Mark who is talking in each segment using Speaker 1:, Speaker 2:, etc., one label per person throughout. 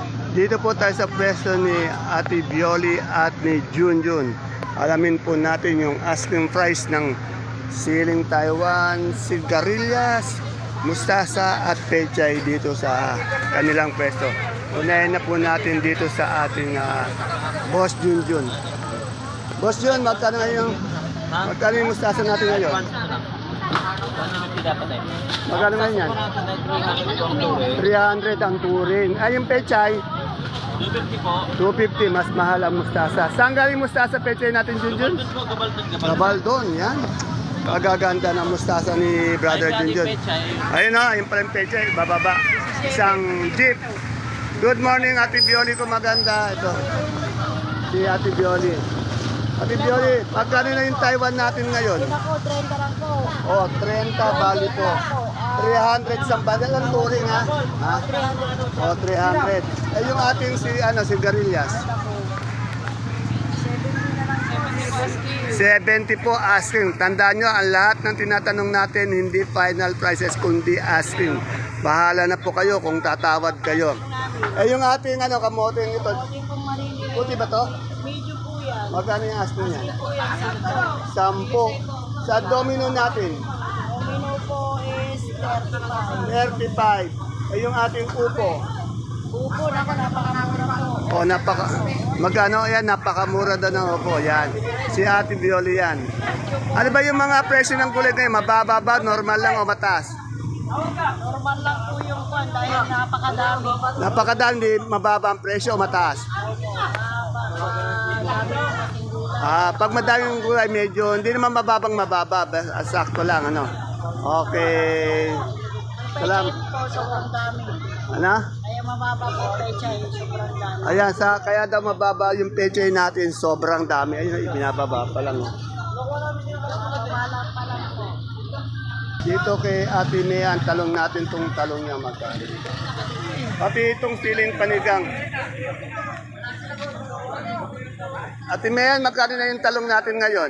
Speaker 1: Dito po tayo sa pwesto ni Ate Bioli at ni Junjun. Alamin po natin yung asking price ng siling Taiwan, sigarilyas, mustasa at pechay dito sa kanilang pwesto. Unahin na po natin dito sa ating Boss Junjun. Boss Jun, magkano yung mustasa natin ngayon? Magkano ngayon yan? 300 ang turin. Ay, yung pechay?
Speaker 2: 250 po.
Speaker 1: 250, mas mahal ang mustasa. Saan galing mustasa pechay natin, Junjun? Gabaldon, yan. Kagaganda ng mustasa ni Brother Junjun. Ayun na, yung pala yung pechay, bababa. Isang jeep. Good morning, Ate Bioli ko maganda. Ito, si Ate Bioli. Ate Bioli, magkano na yung Taiwan natin ngayon?
Speaker 3: Ako, 30 lang po.
Speaker 1: Oh, 30 bali po. 300 sa bandel ang turing ha? Ha?
Speaker 3: 300.
Speaker 1: Oh, 300. Eh yung ating sigarilyas. 70 po asking. Tandaan nyo, ang lahat ng tinatanong natin hindi final prices kundi asking. Bahala na po kayo kung tatawad kayo. Eh yung ating kamote ito. Puti ba to?
Speaker 3: Medyo po yan.
Speaker 1: Magkano yung asking niya?
Speaker 3: Po yan,
Speaker 1: 10. Sa domino natin,
Speaker 3: Domino po is 35.
Speaker 1: 35. Eh yung ating upo.
Speaker 3: Upo, naku, napakamura po.
Speaker 1: Magkano yan? Napakamura daw ng upo. Yan. Si Ate Bioli yan. Ano ba yung mga presyo ng gulay ngayon? Mababa ba? Normal lang o mataas?
Speaker 3: Normal lang po yung kwan dahil napakadami.
Speaker 1: Napakadami, di mababa ang presyo o mataas? Pag madaming gulay, medyo hindi naman mababa. Sakto lang, ano? Okay. Salamat.
Speaker 3: Po, sobrang dami.
Speaker 1: Ano?
Speaker 3: Kaya mababa po, pechay, sobrang dami.
Speaker 1: Ayan, kaya daw mababa yung pechay natin, sobrang dami. Ayun, ibinababa pa lang. Oh.
Speaker 3: Wala pa lang po.
Speaker 1: Dito kay Ate Mian, talong natin tong talong niya magkano. Pati itong siling panigang. Ate Mian, magkano na yung talong natin ngayon?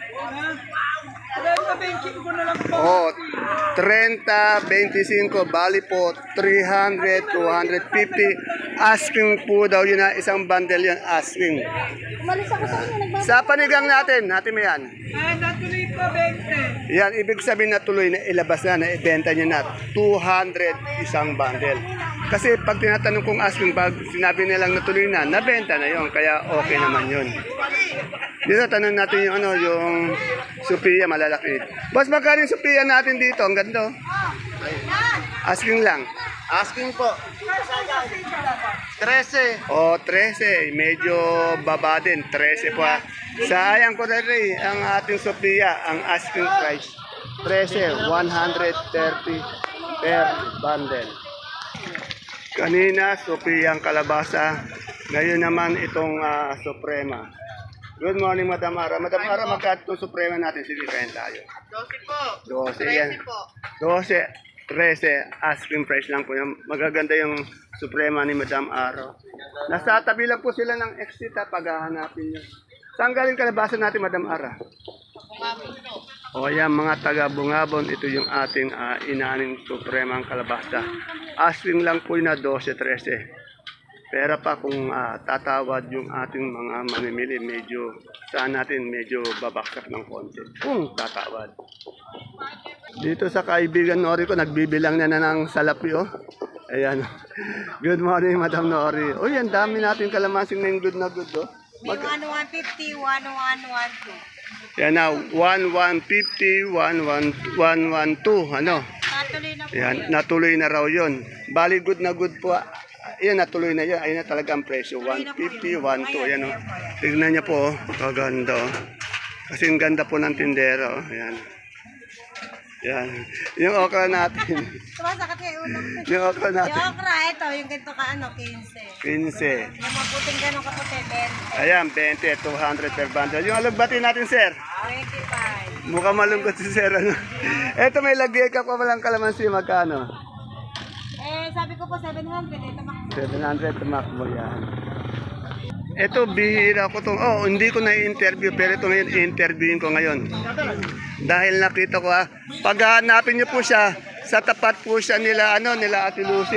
Speaker 1: Oh, 30, 25, bali po 300, 250. Asking po daw yun na isang bundle yun, asking.
Speaker 3: Umalis ako sa inyo, nagbasa.
Speaker 1: Sa panigang natin, Ate Mian.
Speaker 3: Natuloy po, 20.
Speaker 1: Yan, ibig sabihin na tuloy na ilabas na ibenta niya na 200 isang bundle. Kasi pag tinatanong kong asking, pag sinabi nilang natuloy na, nabenta na yon, kaya okay naman yun. Dito, tanong natin yung yung Sophia malalaki. Boss, magkano yung Sophia natin dito? Ang ganda. Oh. Asking lang.
Speaker 2: Asking po. 13.
Speaker 1: Oh, 13. Medyo baba din. 13 po. Sayang ko na rin ang ating Sophia, ang asking price. 13, 130 per bundle. Kanina, Sophia ang kalabasa. Ngayon naman itong Suprema. Good morning, Madam Ara. Madam Ara, magkano itong Suprema natin? Sige, kain tayo.
Speaker 3: 12 po.
Speaker 1: 12 yan. 12, 13. Asking price lang po yan. Magaganda yung Suprema ni Madam Ara. Nasa tabi lang po sila ng exit pag hahanapin nyo. Saan galing kalabasa natin, Madam Ara? O yan, mga taga-Bungabon, ito yung ating inaaning Supremang kalabasa. Asking lang po na 12, 13. Pero pa kung tatawad yung ating mga manimili, medyo saan natin medyo babaksak ng konti. Kung tatawad. Dito sa kaibigan Nori ko, nagbibilang na ng salapi, oh. Ayan. Good morning, Madam Nori. Uy, ang dami natin kalamansing na yung good na good, oh.
Speaker 3: May 1150, 1112.
Speaker 1: Yan na, 1150, 1112, ano?
Speaker 3: Natuloy na po.
Speaker 1: Yan, natuloy na raw yun. Bali, good na good po. Ayan, natuloy na yan. Ayun na talaga ang presyo. 150, 12. Ayan, oh. Tignan niya po, oh. Kaganda, oh. Kasi ang ganda po ng tindero, oh. Ayan. Yan. Yung okra natin.
Speaker 3: Sumasakit kayo ulo.
Speaker 1: Yung okra natin.
Speaker 3: Yung okra, ito, yung ganito ka, 15.
Speaker 1: 15.
Speaker 3: Yung maputing ganun kaputi, 20.
Speaker 1: Ayan, 20, 200 per bundle. Yung alugbati natin, sir.
Speaker 3: 25.
Speaker 1: Mukhang malungkot si sir, ano? Eto, may lagay ka pa walang kalamansi. Magkano?
Speaker 3: Sabi ko po 700, ito makikita.
Speaker 1: 700, tumakbo yan. Ito, bihira ko to. Oh, hindi ko na-interview, pero ito ngayon, i-interviewin ko ngayon. Dahil nakita ko, pag hanapin niyo po siya, sa tapat po siya nila Ate Lucy.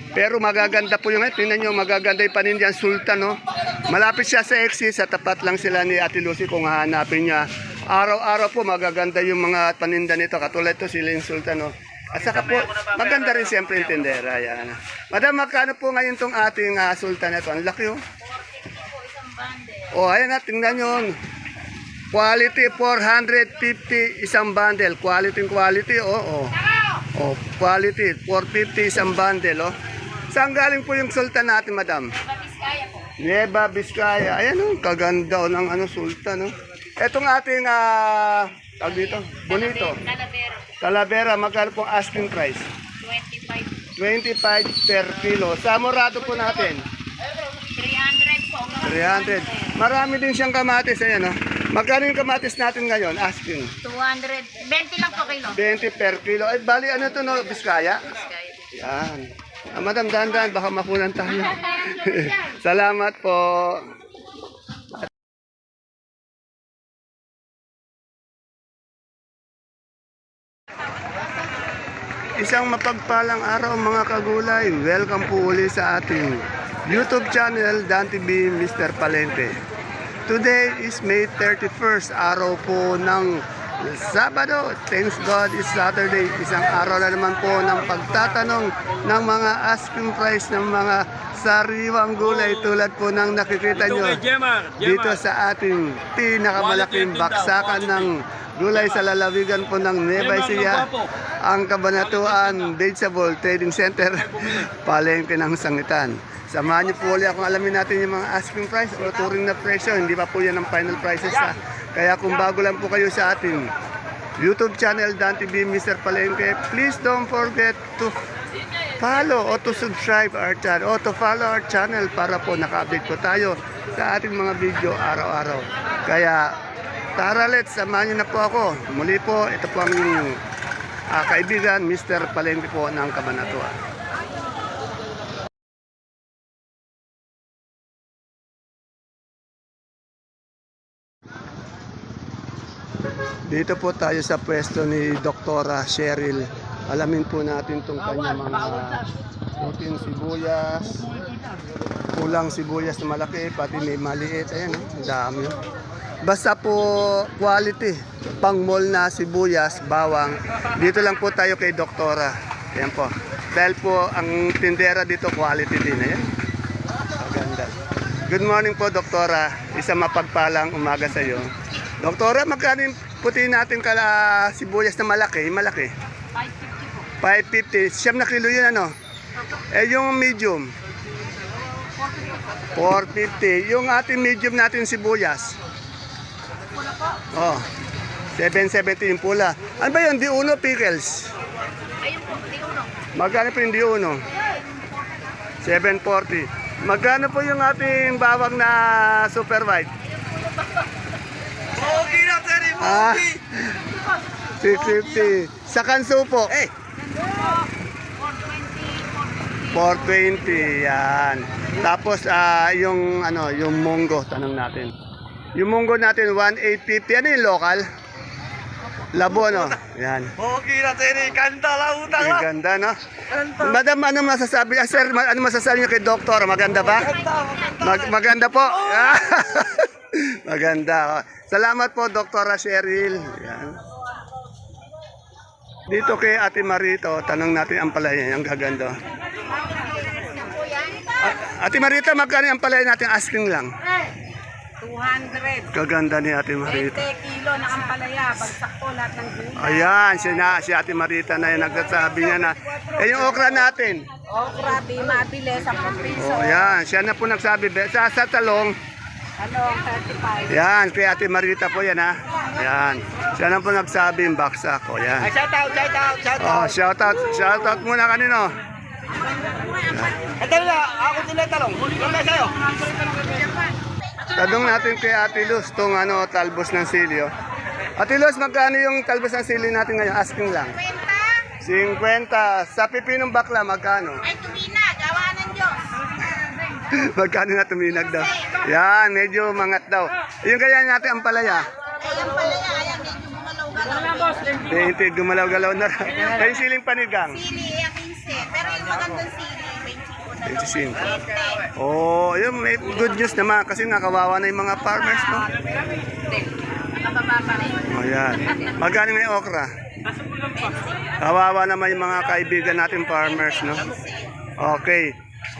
Speaker 1: Pero magaganda po yung, tingnan nyo, magaganda yung panindihan, Sultan, no? Malapit siya sa Exit, sa tapat lang sila ni Ate Lucy kung hahanapin niya. Araw-araw po magaganda yung mga paninda nito, katulad ito sila yung Sultan, no? At saka po, maganda rin siyempre yung tindera, yan. Madam, magkano po ngayon tong ating Sultan ito? Ang laki, oh. Oh, ayan na, tingnan nyo. Quality, 450 isang bundle. Quality, oh. Oh, quality, 450 isang bundle, oh. Saan galing po yung Sultan natin, madam? Nueva Vizcaya. Ayan, oh, kaganda oh, ng Sultan, oh. Etong ating, tawag dito, bonito. Talavera, magkano pong asking price? 25 per kilo. Sa Morado po natin?
Speaker 3: 300 po.
Speaker 1: 300. Marami din siyang kamatis, ayan, oh. Magkano yung kamatis natin ngayon, asking?
Speaker 3: 200. 20 lang po kilo.
Speaker 1: 20 per kilo. Ay, bali, ano to, no? Vizcaya? Yan. Madam, dahan-dahan, baka makunan tayo. Salamat po. Isang mapagpalang araw mga kagulay. Welcome po uli sa ating YouTube channel, Dan TV Mr. Palente. Today is May 31st, araw po ng Sabado. Thanks God it's Saturday. Isang araw na naman po ng pagtatanong ng mga asking price ng mga sariwang gulay tulad po ng nakikita nyo dito sa ating pinakamalaking baksakan ng gulay sa lalawigan po ng Nueva Ecija, ang Kabanatuan Vegetable Trading Center, palengke ng Sangitan. Samahan niyo po ulit akong alamin natin yung mga asking price o turing na presyo. Hindi pa po yan ang final prices ha. Kaya kung bago lang po kayo sa ating YouTube channel, Dan TV Mr. Palengke, please don't forget to follow o to subscribe our channel o to follow our channel para po naka-update po tayo sa ating mga video araw-araw. Kaya tara, let's, samahan niyo na po ako. Muli po, ito po ang kaibigan, Mr. Palengke po ng Kabanatuan. Dito po tayo sa pwesto ni Doktora Cheryl. Alamin po natin itong kanyang mga puting sibuyas, kulang sibuyas na malaki, pati may maliit. Ayan, ang dami. Basta po quality, pang mall na sibuyas, bawang. Dito lang po tayo kay Doktora. Ayan po. Dahil po ang tindera dito quality din. Ayan. Maganda. Good morning po, Doktora. Isang mapagpalang umaga sa iyo. Doktora, magkano yung puti natin kala sibuyas na malaki? Malaki.
Speaker 3: 550 po.
Speaker 1: 550. Siyam na kilo yun, ano? Eh, yung medium? 450. Yung ating medium natin sibuyas?
Speaker 3: Pula po.
Speaker 1: Oh, 770 yung pula. Ano ba yun? Di-uno pickles?
Speaker 3: Ayun po, di uno.
Speaker 1: Magkano po yung di-uno? 740. Magkano po yung ating bawang na super white?
Speaker 2: Okay na, sir.
Speaker 1: Ah, 650. Sa kanso po? 420, yan. Tapos yung yung munggo, tanong natin. Yung munggo natin 1850. Ano yung local? Labo, no? Yan.
Speaker 2: Okay na, sir. Kanta lang, utang
Speaker 1: Ang
Speaker 2: lang.
Speaker 1: ganda, no? Madam, ano masasabi? Sir, ano masasabi niyo kay Doktor? Maganda ba? Maganda po. Maganda. Salamat po, Dr. Cheryl. Yan. Dito kay Ate Marito, tanong natin ang palaya. Ang gaganda. Ate Marita, magkano ang palaya natin? Asking lang.
Speaker 3: 200.
Speaker 1: Kaganda ni Ate
Speaker 3: 20
Speaker 1: Marita.
Speaker 3: kilo na ampalaya. Bagsak po lahat ng gulay.
Speaker 1: Ayan, si Ate Marita na yan nagsasabi niya na. Eh, yung okra natin.
Speaker 3: Okra, di mabili, 10 piso.
Speaker 1: Oh, ayan, siya na po nagsabi. Sa talong,
Speaker 3: Ano, 35.
Speaker 1: yan, kay Ate Marita po yan ha. Yan, siya na po nagsabi yung baksak. O, yan.
Speaker 2: Shout out, shout out, shout
Speaker 1: Oh,
Speaker 2: out.
Speaker 1: shout out muna kanino.
Speaker 2: Ito na, ako tinatalong. Yung na sa'yo.
Speaker 1: Tanong natin kay Ate Luz, itong talbos ng silyo. Ate Luz, magkano yung talbos ng silyo natin ngayon? Asking lang. 50. Sa pipinong bakla, magkano?
Speaker 3: Ay, tumina, gawa ng Diyos.
Speaker 1: Magkano na tuminag daw? Yan, medyo mangat daw. Yung kaya natin ang palaya.
Speaker 3: Ay, ang palaya, ayan, medyo gumalaw-galaw.
Speaker 1: 20, gumalaw-galaw na. Ay, siling panigang.
Speaker 3: Sili, 15. Pero yung magandang sili, 25.
Speaker 1: 25. Oh, yun, may good news naman kasi nga kawawa na yung mga farmers, no? Oh, yan. Magkano may okra? Kawawa naman yung mga kaibigan natin farmers, no? Okay.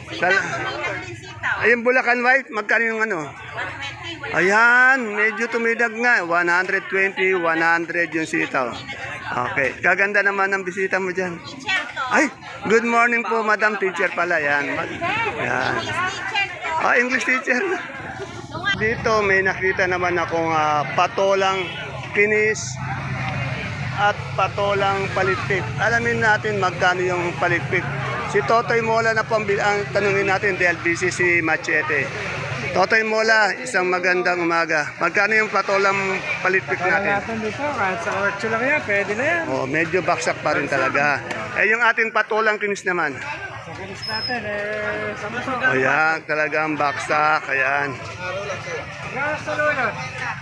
Speaker 1: Ayun, Bulacan White, magkano yung ano? Ayan, medyo tumidag nga. 120, 100 yung sitaw. Okay. Kaganda naman ang bisita mo dyan. Ay, good morning po, Madam Teacher pala. Yan. Yan. Ah, English teacher. Dito may nakita naman akong patolang kinis at patolang palitpit. Alamin natin magkano yung palitpit. Si Totoy Mola na po ang tanungin natin dahil busy si Machete. Totoy Mola, isang magandang umaga. Magkano yung patolang palitpit natin?
Speaker 4: Natin dito, kahit sa 8 lang yan, pwede na yan.
Speaker 1: Oh, medyo baksak pa rin talaga. Eh, yung ating patolang kinis naman.
Speaker 4: Sa kinis natin, samusog.
Speaker 1: Ayan, talagang baksak. Ayan.
Speaker 4: Gas sa lulot.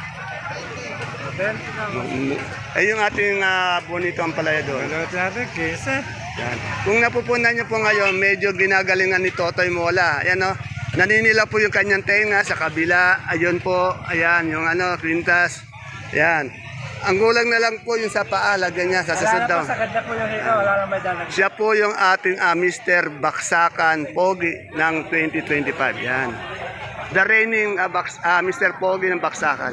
Speaker 4: 20 lang.
Speaker 1: Eh, yung ating bonito ang palaya doon.
Speaker 4: Lulot natin, 15.
Speaker 1: Yan. Kung napupunan niyo po ngayon, medyo ginagalingan ni Totoy Mola. Ayan o, naninila po yung kanyang tenga sa kabila. Ayun po, ayan, yung kwintas. Ayan. Ang gulang na lang po yung sa paa, lagyan niya sa
Speaker 4: Wala na
Speaker 1: daw.
Speaker 4: po, sa ganda po yung hikaw, wala na may dalag.
Speaker 1: Siya po yung ating Mr. Baksakan Pogi ng 2025. Yan. The reigning Mr. Pogi ng Baksakan.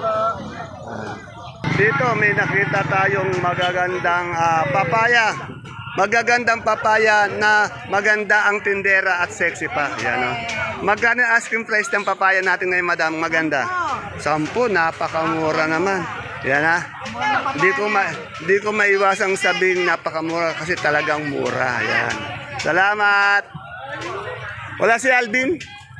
Speaker 1: Dito may nakita tayong magagandang papaya. Magagandang papaya na maganda ang tindera at sexy pa. Yan, o. Magkano ang asking price ng papaya natin ngayon, madam? Maganda. 10, napakamura naman. Yan ha. Di ko maiwasang sabing napakamura kasi talagang mura. Yan. Salamat. Wala si Alvin?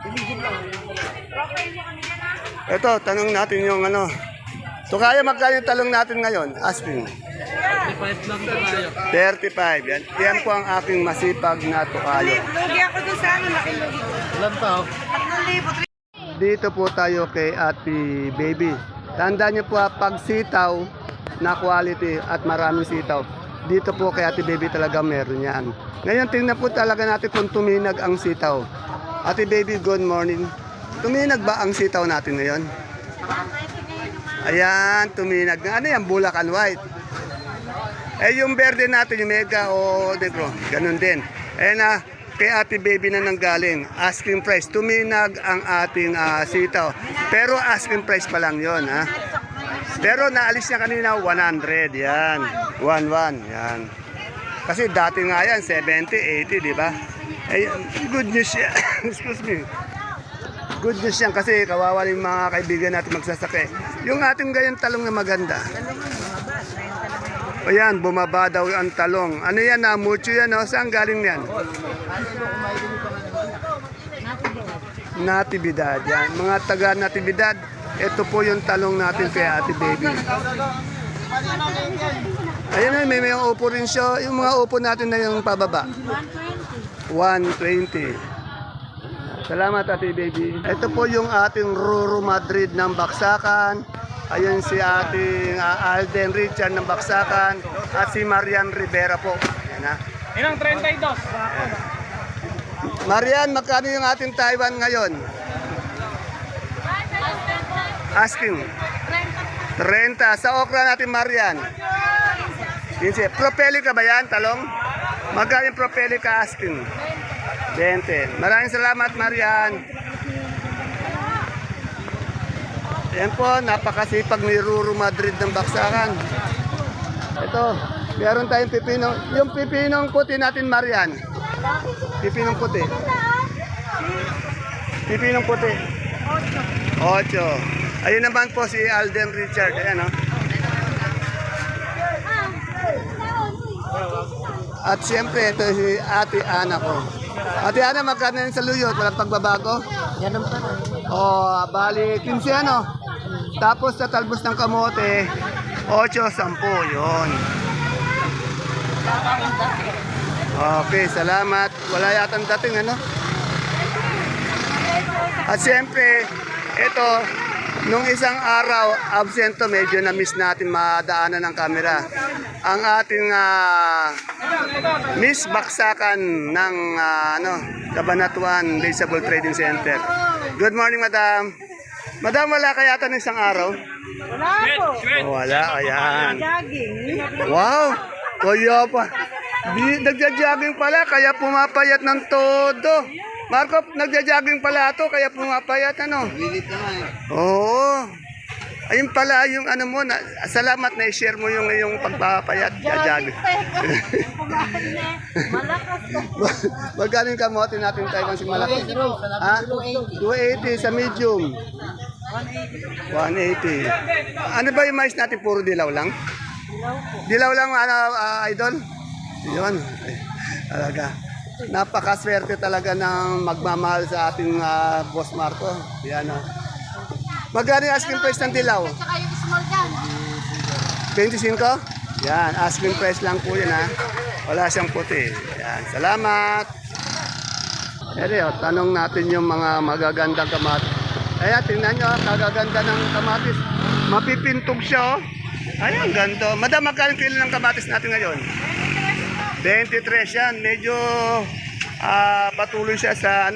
Speaker 1: Ito, tanong natin yung ano. So kaya magkano yung talong natin ngayon? Asking.
Speaker 4: 35 lang tayo.
Speaker 1: 35. Yan. Yan po ang aking masipag na tukayo.
Speaker 3: Lugi ako doon sa ano, laki lugi.
Speaker 4: Ilan pa,
Speaker 3: 3,000.
Speaker 1: Dito po tayo kay Ate Baby. Tandaan niyo po pag sitaw na quality at maraming sitaw. Dito po kay Ate Baby talaga meron yan. Ngayon tingnan po talaga natin kung tuminag ang sitaw. Ate Baby, good morning. Tuminag ba ang sitaw natin ngayon? Ayan, tuminag na. Ano yan? Bulacan White. Eh, yung verde natin, yung mega o negro, ganun din. Eh na, kay Ate Baby na nanggaling, asking price, tuminag ang ating sitaw. Pero asking price pa lang yon ha. Pero naalis niya kanina, 100, yan. 11, yan. Kasi dati nga yan, 70, 80, di ba? Eh, good news yan. Excuse me. Good news yan kasi kawawa yung mga kaibigan natin magsasake. Yung ating gayang talong na maganda. O yan, bumaba daw ang talong. Ano yan na? Mucho yan, no? Saan galing yan? Natividad. Yan. Mga taga Natividad, ito po yung talong natin kay Ate Baby. Ayun na, may upo rin siya. Yung mga upo natin na yung pababa. 120. Salamat, Ate Baby. Ito po yung ating Ruru Madrid ng Baksakan. Ayun si ating Alden Richard ng Baksakan. At si Marian Rivera po. Ayan ha.
Speaker 4: Ilang 32?
Speaker 1: Marian, magkano yung ating Taiwan ngayon? Asking. 30. Sa okra natin, Marian. 15. Propelica ba yan, talong? Magkano yung Propelica asking? 20. Maraming salamat, Marian. Yan po, napakasipag ni Ruru Madrid ng Baksakan. Ito, meron tayong pipino. Yung pipinong puti natin, Marian. Pipinong puti. Pipinong puti. 8. Ayun naman po si Alden Richard. Ayan, no? At siyempre, ito si Ate Ana ko. Ate Ana, magkano yun sa luyot? Walang pagbabago?
Speaker 3: Ganun pa rin.
Speaker 1: Bali, 15 ano? Tapos sa talbos ng kamote, 8, 10, yun. Okay, salamat. Wala yatang dating, ano? At siyempre, ito, nung isang araw, absento, medyo na-miss natin madaanan ng kamera. Ang ating Miss Baksakan ng Cabanatuan Vegetable Trading Center. Good morning, madam. Madam, wala kaya ito ng isang araw?
Speaker 3: Wala po.
Speaker 1: Oh, wala, ayan.
Speaker 3: Jogging.
Speaker 1: Wow! Kaya pa. Nagja-jogging pala, kaya pumapayat ng todo. Marco, nagja-jogging pala ito, kaya pumapayat, ano?
Speaker 2: Lilit naman eh.
Speaker 1: Oo. Ayun pala, yung ano mo, salamat na i-share mo yung pagpapayat. Jogging.
Speaker 3: Malakas po.
Speaker 1: Magkano yung kamote natin tayo kung malaki? Ha? 280 sa medium. 180. Ano ba yung mais natin? Puro dilaw lang? Dilaw lang, idol? Yun. Ay, talaga. Napakaswerte talaga ng magmamahal sa ating Boss Marco. Yan, magkano yung asking price ng dilaw?
Speaker 3: Tsaka yung small dyan.
Speaker 1: 25? Yan, asking price lang po yun, ha. Wala siyang puti. Yan, salamat. Ere, tanong natin yung mga magagandang kamatis. Ayan, tingnan nyo, kagaganda ng kamatis. Mapipintog siya, oh. Ayan, ganito. Madam, magkano kilo ng kamatis natin ngayon? 23 yan. Medyo patuloy siya sa,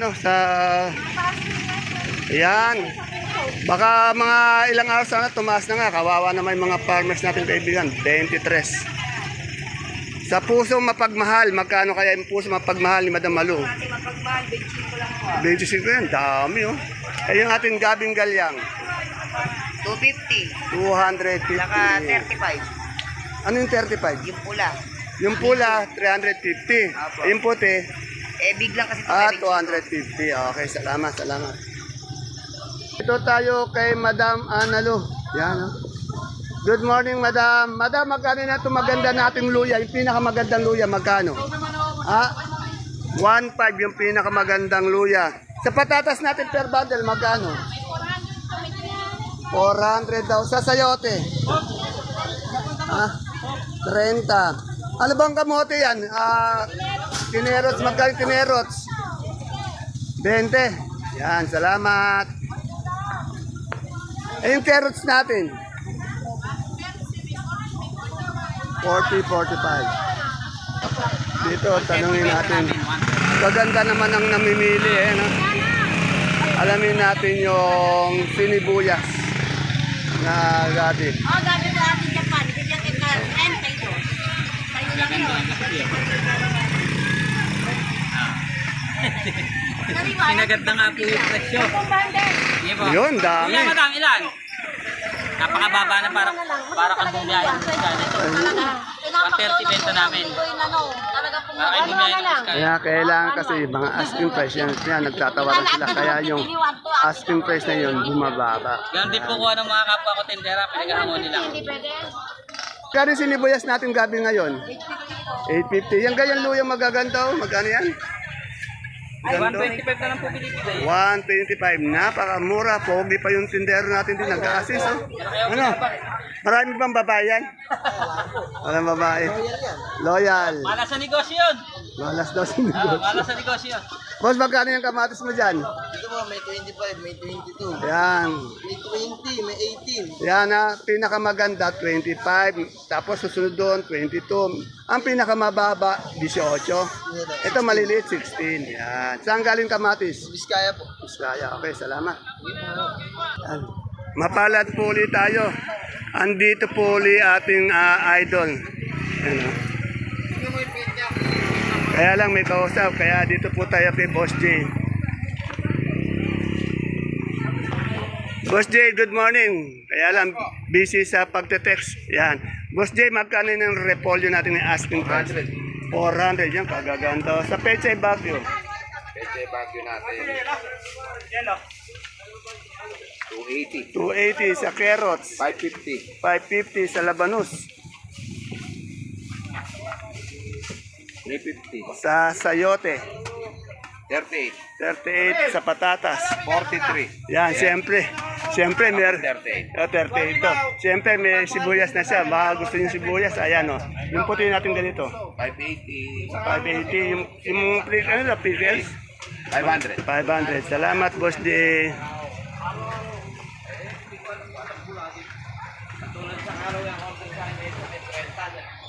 Speaker 1: Ayan. Baka mga ilang araw sana tumaas na nga. Kawawa na may mga farmers natin kaibigan. 23. Sa puso mapagmahal, magkano kaya yung puso mapagmahal ni Madam Malu?
Speaker 3: Mapagmahal, 25 lang po.
Speaker 1: 25 yan, dami oh. Eh yung ating gabing galyang,
Speaker 3: 250.
Speaker 1: 250.
Speaker 3: Saka 35.
Speaker 1: Ano yung 35?
Speaker 3: Yung pula.
Speaker 1: Yung pula, 350.
Speaker 3: Apo.
Speaker 1: Yung puti,
Speaker 3: Big lang kasi.
Speaker 1: 250. Okay, salamat, salamat. Ito tayo kay Madam Analu. Yan, oh. Good morning, Madam. Madam, magkano na ito maganda nating luya? Yung pinakamagandang luya, magkano? 1.5 yung pinakamagandang luya. Sa patatas natin per bundle, magkano? 400 daw. Sa sayote? 30. Ano bang kamote yan? Tinerots, magkano tinerots? 20. Yan, salamat. Eh, yung carrots natin? 40, 45. Dito, tanungin natin. Maganda naman ang namimili, eh, no? Alamin natin yung sinibuyas na gabi.
Speaker 3: Gabi po ating Japan. Bigyan kita 30 ito. Sa'yo lang yun.
Speaker 4: Sinaganda nga po yung presyo. Sige po.
Speaker 1: Yun, dami.
Speaker 4: Kuya, madam, ilan? Napakababa na para kang bumiyahin ng iska nito. 130 benta namin. Para kayo bumiyahin ng iska.
Speaker 1: Kaya kailangan kasi mga asking price yan, nagtatawaran sila. Kaya yung asking price na yun, bumababa.
Speaker 4: Ganun din po kuha ng mga kapwa ko tindera, pinag-ahamon nila.
Speaker 1: Kaya sinibuyas natin gabi ngayon? 850. Yung ganyan luyang magaganda, oh. Magkano yan?
Speaker 4: Ay,
Speaker 1: Ganda.
Speaker 4: 125 na lang po binibigay.
Speaker 1: 125. Napakamura. Pogi pa yung tindero natin din. Nagka-assist, oh. Ano? Marami bang babae yan? Walang babae. Loyal.
Speaker 4: Malas sa negosyo yun.
Speaker 1: Malas daw sa negosyo.
Speaker 4: Malas sa negosyo.
Speaker 1: Boss, magkano yung kamatis mo dyan?
Speaker 2: Dito mo, may 25, may 22.
Speaker 1: Yan.
Speaker 2: May 20, may 18.
Speaker 1: Yan na, pinakamaganda 25, tapos susunod doon 22. Ang pinakamababa 18. Ito maliliit 16. Yan. Saan galing kamatis?
Speaker 2: Biskaya po.
Speaker 1: Biskaya. Okay, salamat. Yan. Mapalad po ulit tayo. Andito po ulit ating idol. Yan, oh. Kaya lang may kausap, kaya dito po tayo kay Boss J. Boss J, good morning. Kaya lang, busy sa pagte-text. Yan. Boss J, magkano yung repolyo natin ng asking price? 400. Yan, kagaganda. Sa Pechay Baguio.
Speaker 2: Pwede bagyo natin. 280.
Speaker 1: 280 sa carrots.
Speaker 2: 550.
Speaker 1: 550 sa labanus.
Speaker 2: 350.
Speaker 1: Sa sayote.
Speaker 2: 38.
Speaker 1: 38 sa patatas.
Speaker 2: 43.
Speaker 1: Yan, siyempre. Siyempre, may
Speaker 2: 38.
Speaker 1: 38 ito. Siyempre, may sibuyas na siya. Baka gusto niyo sibuyas. Ayan, o. Yung puti natin ganito.
Speaker 2: 580.
Speaker 1: 580. Yung pickles?
Speaker 2: 500.
Speaker 1: 500. Salamat, Boss D.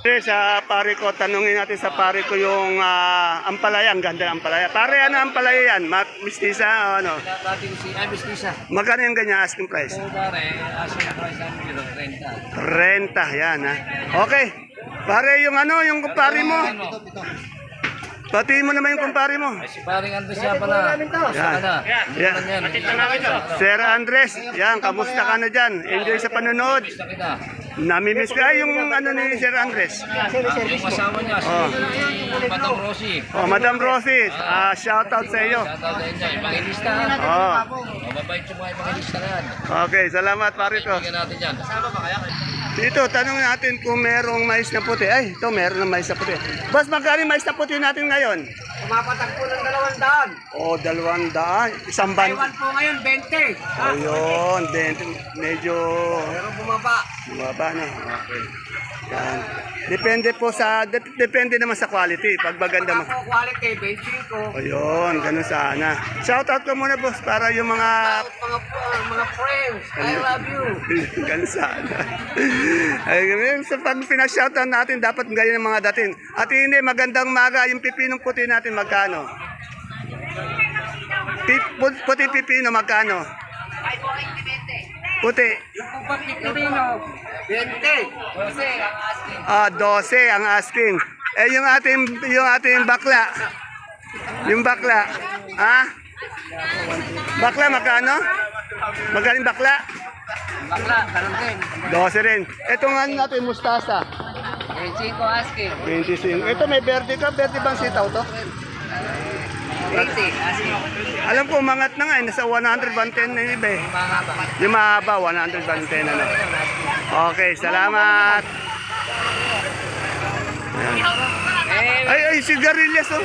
Speaker 1: Sa pare ko, tanungin natin sa pare ko yung ampalaya. Ang ganda ng ampalaya. Pare, ano ampalaya yan? Mistisa o ano?
Speaker 4: Dating si Abis Lisa.
Speaker 1: Magkano yung ganyan asking price?
Speaker 4: Pare, asking price namin kilo 30.
Speaker 1: Renta, yan ha. Okay. Pare, yung ano, yung kumpare mo. Patiin mo naman yung kumpare mo.
Speaker 4: Ay, si paring Andres siya pala.
Speaker 1: Yan. Yan. Sir Andres, yan, kamusta ka na dyan? Enjoy sa panonood.
Speaker 4: Gusto kita.
Speaker 1: Namimiss ka yung ano ni Sir Andres.
Speaker 4: Yung asawa niya, si Madam Rosie.
Speaker 1: Oh, Madam Rosie, shout out sa iyo.
Speaker 4: Shoutout sa inyo. Ipangilista ha.
Speaker 1: Oh.
Speaker 4: Mababait yung mga ipangilista na yan.
Speaker 1: Okay, salamat pare ko.
Speaker 4: Bigyan natin yan. Kasama ba kaya?
Speaker 1: Dito, tanong natin kung merong mais na puti. Ay, ito meron ng mais na puti. Boss, magkano yung mais na puti natin ngayon?
Speaker 5: Pumapatak po ng 200.
Speaker 1: Oh, 200. Isang ban.
Speaker 5: Taiwan po ngayon, 20.
Speaker 1: Ayun, medyo
Speaker 5: Pero bumaba.
Speaker 1: bumaba na. Okay. Yan. Depende po sa, depende naman sa quality. Pag maganda mo.
Speaker 5: Ako quality, 25.
Speaker 1: Ayun, ganun sana. Shout out ko muna boss para yung mga
Speaker 5: Mga friends, I love you.
Speaker 1: ganun sana. Ay, sa pag pinashoutout natin, dapat ganyan ang mga dating. At hindi, magandang maga, yung pipinong puti natin, magkano? Puti pipino, magkano? Puti.
Speaker 5: Yung pag Pilipino, 20. Kasi ang asking.
Speaker 1: 12 ang asking. Eh, yung ating bakla. Yung bakla. Ha? Bakla, magkano? Magaling bakla?
Speaker 5: Bakla, ganun din.
Speaker 1: 12 rin. Itong ano natin, mustasa.
Speaker 5: 25 asking.
Speaker 1: 25. Ito may verde ka. Verde bang sitaw to?
Speaker 5: 80 asking.
Speaker 1: Alam ko, umangat na nga. Nasa 100, 110 na yung iba eh.
Speaker 5: Mahaba.
Speaker 1: Yung mahaba, 100, 110 na. Okay, salamat. Ayan. Ay, sigarilyas oh.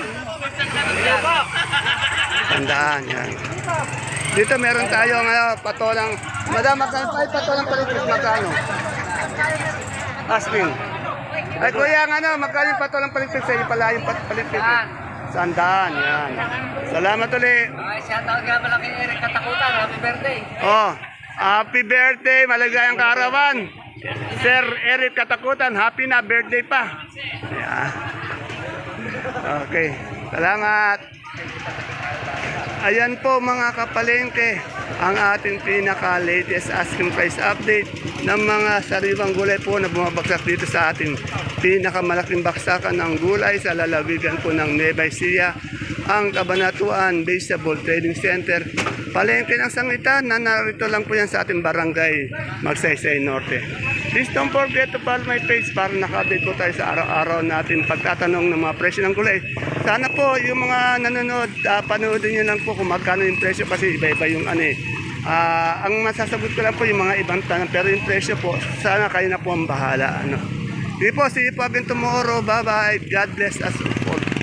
Speaker 1: Tandaan yan. Dito meron tayong patolang. Madam, ay patolang palitis, magkano? Asking. Ay kuya, magkano yung patolang palitis sa iyo pala yung palitis? Sandaan, yan. Salamat ulit.
Speaker 5: Ay, shoutout nga pala kay Eric Katakutan. Happy birthday.
Speaker 1: Oh, happy birthday, maligayang kaarawan. Sir Eric Katakutan, happy na birthday pa. Yeah. Okay, salamat. Ayan po mga kapalengke, ang ating pinaka-latest asking price update ng mga sariwang gulay po na bumabagsak dito sa ating pinakamalaking baksakan ng gulay sa lalawigan po ng Nueva Ecija, ang Cabanatuan Vegetable Trading Center. Palengke ng sangitan na narito lang po yan sa ating barangay Magsaysay Norte. Please don't forget to follow my page para naka-update po tayo sa araw-araw natin pagtatanong ng mga presyo ng gulay. Sana po yung mga nanonood, panoodin nyo lang po kung magkano yung presyo kasi iba-iba yung ano eh. Ang masasagot ko lang po yung mga ibang tanong pero yung presyo po, sana kayo na po ang bahala. Sige po, see you po again tomorrow. Bye-bye. God bless us all.